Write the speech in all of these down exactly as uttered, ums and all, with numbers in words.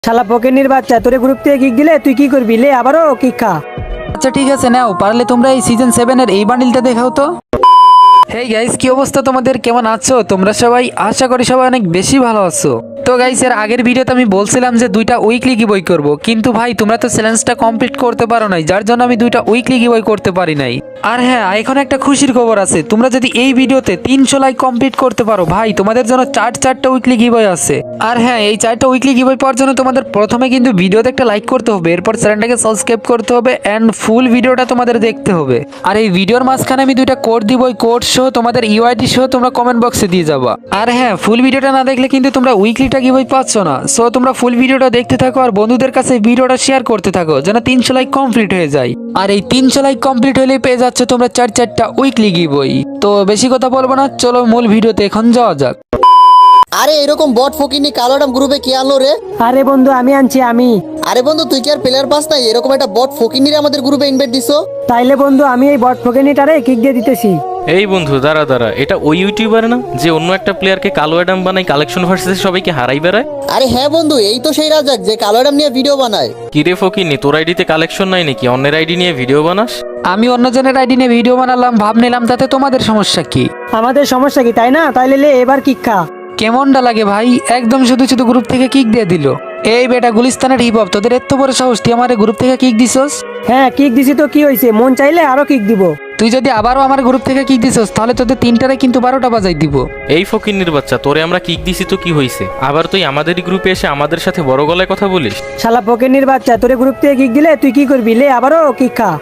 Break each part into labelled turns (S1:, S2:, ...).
S1: শালা পকেনির বাচ্চা, তোরে গ্রুপ থেকে কিক দিলে তুই কি করবি? লে আবারও কিক খা।
S2: আচ্ছা ঠিক আছে, নাও পারলে তোমরা এই সিজন সেভেন এর এই বান্ডিলটা দেখাও তো। হেই গাইস, কি অবস্থা তোমাদের? কেমন আছো তোমরা সবাই? আশা করি সবাই অনেক বেশি ভালো আছো। তো গাইস, এর আগের ভিডিওতে আমি বলছিলাম যে দুইটা উইকলি গিভওয়ে করব, কিন্তু ভাই তোমরা তো চ্যালেঞ্জটা কমপ্লিট করতে পারো নাই, যার জন্য আমি দুইটা উইকলি গিভওয়ে করতে পারি নাই। আর হ্যাঁ, এখন একটা খুশির খবর আছে, তোমরা যদি এই ভিডিওতে তিনশো লাইক কমপ্লিট করতে পারো ভাই, তোমাদের জন্য চার চারটা উইকলি গিভওয়ে আছে। আর হ্যাঁ, এই চারটা উইকলি গিভওয়ে পাওয়ার জন্য তোমাদের প্রথমে কিন্তু ভিডিওতে একটা লাইক করতে হবে, এরপর চ্যানেলটাকে সাবস্ক্রাইব করতে হবে এন্ড ফুল ভিডিওটা তোমাদের দেখতে হবে। আর এই ভিডিওর মাঝখানে আমি দুইটা কোড দিব, ওই কোড সহ তোমাদের ইউআইডি সহ তোমরা কমেন্ট বক্সে দিয়ে যাবা। আর হ্যাঁ, ফুল ভিডিওটা না দেখলে কিন্তু তোমরা উইকলিটা গিভওয়ে পাচ্ছ না। সো তোমরা ফুল ভিডিওটা দেখতে থাকো আর বন্ধুদের কাছে ভিডিওটা শেয়ার করতে থাকো, যেন তিনশো লাইক কমপ্লিট হয়ে যায়। আর এই তিনশো লাইক কমপ্লিট হলে পেয়ে যাচ্ছ তোমরা চার চারটা উইকলি গিভওয়ে। তো বেশি কথা বলবো না, চলো মূল ভিডিওতে এখন যাওয়া যাক।
S3: আরে এরকম বট ফকিনি কালোডাম গ্রুপে কে আনলো রে?
S1: আরে বন্ধু, আমি আনছি আমি।
S3: আরে বন্ধু, তুই কি আর প্লেয়ার পাস নাই? এরকম একটা বট ফকিনিরে আমাদের গ্রুপে ইনভাইট দিছো?
S1: তাইলে বন্ধু, আমি এই বট পকেনিটারে কিক দিয়ে দিতেছি।
S4: এই বন্ধু দাঁড়া দাঁড়া, এটা ওই ইউটিউবার না যে অন্য একটা প্লেয়ারকে কালো অ্যাডাম বানাই কালেকশন ভার্সেসে সবাইকে হারাই বেড়ায়?
S3: আরে হ্যাঁ বন্ধু, এই তো সেই রাজাক যে কালোডাম নিয়ে ভিডিও বানায়।
S4: কিরে ফকিনি, তোর আইডিতে কালেকশন নাই নাকি? অন্যের আইডি নিয়ে ভিডিও বানাস?
S2: আমি অন্যজনের আইডি নিয়ে ভিডিও বানালাম, ভাব নিলাম, তাতে তোমাদের সমস্যা কি?
S1: আমাদের সমস্যা কি, তাই না? তাইলে লে এবার কিক খা।
S2: কেমনটা লাগে ভাই? একদম শুধু শুধু গ্রুপ থেকে কিক দিয়ে দিল। এই বেটা গুলিস্তানের হিপ হপ, তোদের এত বড় সাহস, তুই আমার গ্রুপ থেকে কিক দিছস?
S1: হ্যাঁ, কিক দিছি তো কি হয়েছে? মন চাইলে আরো কিক দিব।
S2: তুই যদি আবারও আমার গ্রুপ থেকে কিক দিছস তাহলে তোদের তিনটারে কিন্তু বারোটা বাজাই দিব।
S4: এই ফকিনির বাচ্চা, তোরে আমরা কিক দিছি তো কি হয়েছে? আবার তুই আমাদেরই গ্রুপে এসে আমাদের সাথে বড় গলায় কথা বলিস?
S1: শালা পকেনির বাচ্চা, তোরে গ্রুপ থেকে কিক দিলে তুই কি করবি? লে আবারও কিক খা।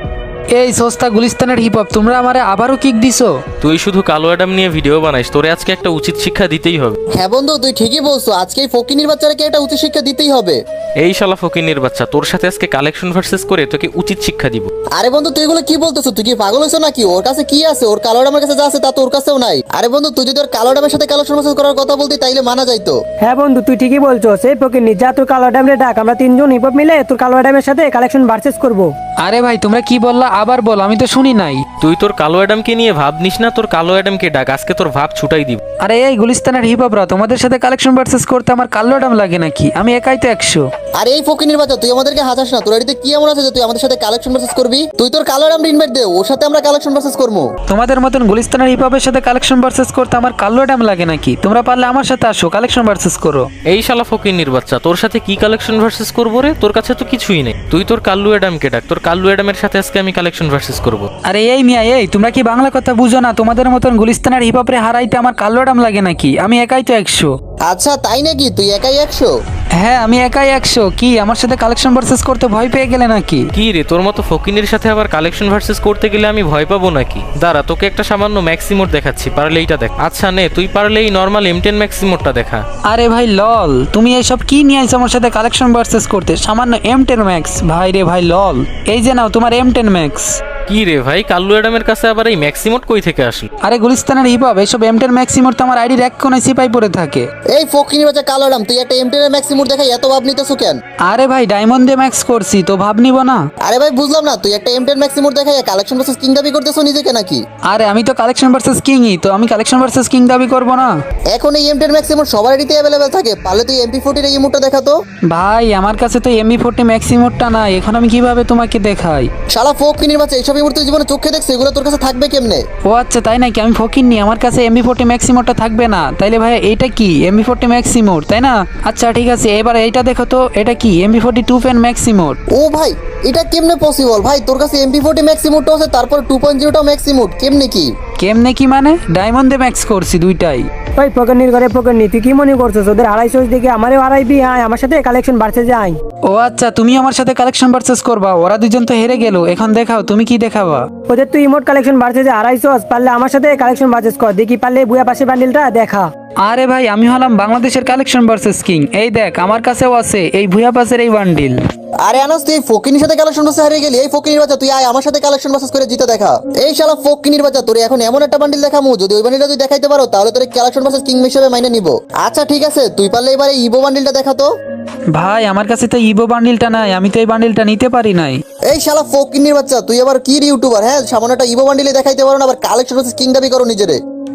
S2: এই সস্তা গুলিস্তানের হিপ হপ, তোমরা আমারে আবারও কিক দিছো?
S4: তুই শুধু কালো অ্যাডাম নিয়ে ভিডিও বানাইস, তোরে আজকে একটা উচিত শিক্ষা দিতেই হবে।
S3: হ্যাঁ বন্ধু, তুই ঠিকই বলছো, আজকে এই ফকিনির বাচ্চারাকে একটা উচ্চ শিক্ষা দিতেই হবে।
S4: এই শালা ফকিনির বাচ্চা, তোর সাথে আজকে কালেকশন ভার্সেস করে তোকে উচিত শিক্ষা দিব।
S3: আরে বন্ধু, তুই এগুলো কি বলতেছো? তুই কি পাগল হয়েছো নাকি? ওর কাছে কি আছে? ওর কালোডামের কাছে যা আছে তা তো ওর কাছেও নাই। আরে বন্ধু, তুই যদি ওর কালোডামের সাথে কালেকশন ভার্সেস করার কথা বলতি তাইলে মানা যাইতো।
S1: হ্যাঁ বন্ধু, তুই ঠিকই বলছো। সেই পকেনি, যা তোর কালো ড্যামরে ডাক, আমরা তিনজন হিপ হপ মিলে তোর কালো ড্যামের সাথে কালেকশন ভার্সেস করবো।
S2: আরে ভাই, তোমরা কি বললা আবার বল, আমি তো শুনি নাই।
S4: তুই তোর কালো অ্যাডামকে নিয়ে ভাব নিস না, তোর কালো অ্যাডামকে ডাক, আজকে তোর ভাব ছুটাই দিব।
S2: আরে এই গুলিস্তানের হিপ হপরা, তোমাদের সাথে কালেকশন ভার্সেস করতে আমার কালো ডাম লাগে নাকি? আমি একাই তো একশো।
S3: আরে এই ফকিনির বাচ্চা, তুই আমাদেরকে হাসাস না। তোর এদিকে কি এমন আছে যে তুই আমাদের সাথে কালেকশন ভার্সেস করবি? তুই তোর কালোডাম ইনভাইট দে, ওর সাথে আমরা কালেকশন ভার্সেস করবো।
S2: তোমাদের মতন গুলিস্তানের হিপ হপের সাথে কালেকশন ভার্সেস করতে আমার কালো ডাম লাগে নাকি? তোমরা পারলে আমার সাথে আসো, কালেকশন ভার্সেস করো।
S4: এই শালা ফকিনির বাচ্চা, তোর সাথে কি কালেকশন ভার্সেস করবো রে? তোর কাছে তো কিছুই নেই। তুই তোর কাল্লু অ্যাডামকে ডাক, তোর কাল্লু অ্যাডামের সাথে আজকে আমি কালেকশন ভার্সেস করবো।
S2: আরে এই মিয়া, এই তোমরা কি বাংলা কথা বুঝো না? তোমাদের মতন গুলিস্তানের হিপ হপরে হারাইতে আমার কালো ডাম লাগে নাকি? আমি একাই তো একশো।
S3: আচ্ছা তাই নাকি? তুই একাই একশো?
S2: হ্যাঁ, আমি একাই একশো। কি আমার সাথে কালেকশন ভার্সেস করতে ভয় পেয়ে গেলে নাকি?
S4: কি রে, তোর মতো ফকিনের সাথে আবার কালেকশন ভার্সেস করতে গেলে আমি ভয় পাবো নাকি? দাঁড়া, তোকে একটা সামান্য ম্যাক্সিমোট দেখাচ্ছি, পারলে এইটা দেখ। আচ্ছা নে, তুই পারলে এই নর্মাল এম টেন ম্যাক্সিমোটটা দেখা।
S2: আরে ভাই লল, তুমি এইসব কি নিয়ে আইছো আমার সাথে কালেকশন ভার্সেস করতে? সামান্য এম টেন ম্যাক্স? ভাই রে ভাই লল, এই যে নাও তোমার এম টেন ম্যাক্স।
S4: কি রে ভাই, কাল্লু অ্যাডামের কাছে আবার এই ম্যাক্সিমোট কই থেকে আসলো?
S2: আরে গুলিস্তানের হিপ হপ, এইসব এম টেন ম্যাক্সিমোর তো আমার আইডির এক কোনায় সিপাই পড়ে থাকে।
S3: এই ফকিনির বাচ্চা কালোডাম, তুই একটা এমটেনের ম্যাক্সিমুর দেখাই এত ভাব নিতেছো কেন?
S2: আরে ভাই, ডায়মন্ড দিয়ে ম্যাক্স করছি তো ভাব নিব না?
S3: আরে ভাই বুঝলাম না, তুই একটা এমটেন ম্যাক্সিমুর দেখাই কালেকশন ভার্সেস কিং দাবি করতেছো নিজেকে নাকি?
S2: আরে আমি তো কালেকশন ভার্সেস কিংই, তো আমি কালেকশন ভার্সেস কিং দাবি করব না?
S3: এখন এই এমটেন ম্যাক্সিমুর সবার আইডিতে অ্যাভেলেবেল থাকে, পারলে তুই এমপি ফোর্টির এই ইমোটটা দেখাতো।
S2: ভাই আমার কাছে তো এমবি ফোর্টি ম্যাক্সিমোরটা নাই, এখন আমি কিভাবে তোমাকে দেখাই?
S3: শালা ফকিনির বাচ্চা, এইসব ইমোট তুই জীবনে চোখে দেখছিস, এগুলো তোর কাছে থাকবে কেমনে?
S2: ও আচ্ছা তাই নাকি? আমি ফকির নি, আমার কাছে এমবি ফোর্টি ম্যাক্সিমোরটা থাকবে না? তাইলে ভাই এইটা কি? এমবি ফোর্টি ম্যাক্সিমোর তাই না? আচ্ছা ঠিক আছে, এবার এইটা দেখো তো, এটা কি? এমবি ফোর্টি টু পেন ম্যাক্সিমোর।
S3: ও ভাই, এটা কেমনে পসিবল? ভাই তোর কাছে এমপি ফোর্টি ম্যাক্সিমুরটা আছে, তারপর টু পয়েন্ট জিরোটা ম্যাক্সিমুর, কেমনে কি?
S2: কেমনে কি মানে? ডায়মন্ডে ম্যাক্স করছি দুইটাই।
S1: ওই পকেনির ঘরে পকেনি, তুই কি মনে করছিস ওদের হারাইছিস দেখে আমারও হারাইবি? আয় আমার সাথে কালেকশন ভার্সেস যাই।
S2: ও আচ্ছা, তুমি আমার সাথে কালেকশন ভার্সেস করবা? ওরা দুজন তো হেরে গেল, এখন দেখাও তুমি কি দেখাবা।
S1: ওদের তুই ইমোট কালেকশন ভার্সেস হারাইছিস, পারলে আমার সাথে কালেকশন ভার্সেস কর দেখি, পারলে বুয়া পাশে বান্ডিলটা দেখা।
S2: আরে ভাই, আমি হলাম বাংলাদেশের কালেকশন ভার্সেস কিং। এই দেখ, আমার কাছেও আছে এই ভুয়া পাসের এই বান্ডিল।
S3: আরে আনাস, তুই ফকিনির সাথে কালেকশন ভার্সেস হারিয়ে গেলি। এই ফকিনির বাচ্চা, তুই আয় আমার সাথে কালেকশন ভার্সেস করে জিতে দেখা। এই শালা ফকিনির বাচ্চা, তোর এখন এমন একটা বান্ডিল দেখামু, যদি ওই বান্ডিলটা তুই দেখাইতে পারো তাহলে তোর কালেকশন ভার্সেস কিং হিসেবে মাইনে নিব। আচ্ছা ঠিক আছে, তুই পারলে এবারে ইভো বান্ডিলটা দেখাতো।
S2: ভাই আমার কাছে তো ইভো বান্ডিলটা নাই, আমি তো এই বান্ডিলটা নিতে পারি নাই।
S3: এই শালা ফকিনির বাচ্চা, তুই আবার কি ইউটিউবার? হ্যাঁ, সামান্য একটা ইভো বান্ডিলে দেখাইতে পারো না, আবার কালেকশন ভার্সেস কিং দাবি করো নিজেরে।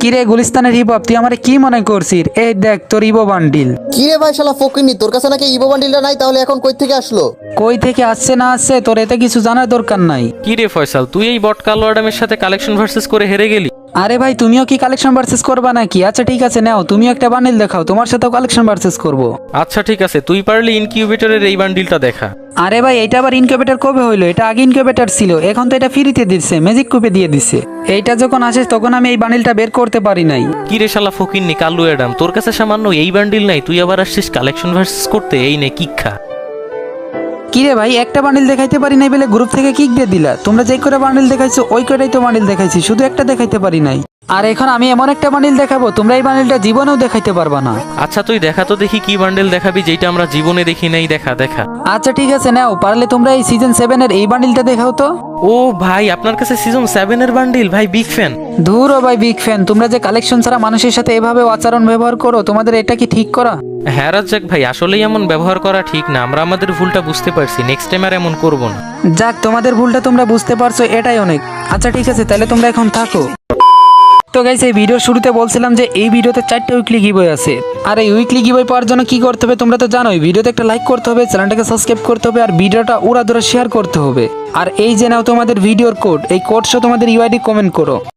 S2: কিরে গুলিস্তানের হিপ হপ, তুই আমারে কি মনে করছিস? এই দেখ তোর ইবো বান্ডিল।
S3: কি রে ভাই শালা ফকিনি, তোর কাছে নাকি ইভো বান্ডিলটা নাই, তাহলে এখন কই থেকে আসলো?
S2: কই থেকে আসছে না আসছে তোর এতে কিছু জানার দরকার নাই।
S4: কি রে ফয়সাল, তুই এই বট কালো অ্যাডামের সাথে কালেকশন ভার্সেস করে হেরে গেলি?
S2: আরে ভাই তুমিও কি কালেকশন ভার্সেস করবা নাকি? আচ্ছা ঠিক আছে, নাও তুমিও একটা বান্ডিল দেখাও, তোমার সাথেও কালেকশন ভার্সেস করব।
S4: আচ্ছা ঠিক আছে, তুই পারলে ইনকিউবেটরের এই বান্ডিলটা দেখা।
S2: আরে ভাই এটা আবার ইনকিউবেটর কবে হইলো? এটা আগে ইনকিউবেটর ছিল, এখন তো এটা ফ্রিতে দিচ্ছে, ম্যাজিক কুপে দিয়ে দিচ্ছে। এইটা যখন আসে তখন আমি এই বান্ডিলটা বের করতে পারি নাই।
S4: কি রে শালা ফকিন্নি কালু অ্যাডাম, তোর কাছে সামান্য এই বান্ডিল নাই, তুই আবার আসছিস কালেকশন ভার্সেস করতে? এই নে কিক খা।
S2: কিরে ভাই একটা বান্ডিল দেখাইতে পারি নাই বলে গ্রুপ থেকে কিক দিয়ে দিলা? তোমরা যেই করে বান্ডিল দেখাইছো ওই করেই তো বান্ডিল দেখাইছি, শুধু একটা দেখাইতে পারি নাই। আর এখন আমি এমন একটা বান্ডিল দেখাবো তোমরা এই বান্ডিলটা জীবনেও দেখাইতে পারবা না।
S4: আচ্ছা তুই দেখা তো দেখি কি বান্ডেল দেখাবি যেটা আমরা জীবনে দেখি নাই, দেখা দেখা।
S2: আচ্ছা ঠিক আছে, নাও পারলে তোমরা এই সিজন সেভেন এর এই বান্ডিলটা দেখাও তো।
S4: ও ভাই, আপনার কাছে সিজন সেভেন এর বান্ডিল? ভাই বিগ ফ্যান।
S2: ধুর ও ভাই বিগ ফ্যান, তোমরা যে কালেকশন ছাড়া মানুষের সাথে এভাবে আচরণ ব্যবহার করো, তোমাদের এটা কি ঠিক করা?
S4: হ্যাঁ রাজ্জাক ভাই, আসলেই এমন ব্যবহার করা ঠিক না, আমরা আমাদের ভুলটা বুঝতে পারছি, নেক্সট টাইম আর এমন করবো না।
S2: যাক তোমাদের ভুলটা তোমরা বুঝতে পারছো, এটাই অনেক। আচ্ছা ঠিক আছে, তাহলে তোমরা এখন থাকো। তো গাইস এই ভিডিওর শুরুতে বলছিলাম যে এই ভিডিওতে চারটে উইকলি গিভওয়ে আছে। আর এই উইকলি গিভওয়ে পাওয়ার জন্য কি করতে হবে তোমরা তো জানোই, ভিডিওতে একটা লাইক করতে হবে, চ্যানেলটাকে সাবস্ক্রাইব করতে হবে, আর ভিডিওটা উড়াধুরা শেয়ার করতে হবে। আর এই যে নাও তোমাদের ভিডিওর কোড, এই কোড সহ তোমাদের ইউআইডি কমেন্ট করো।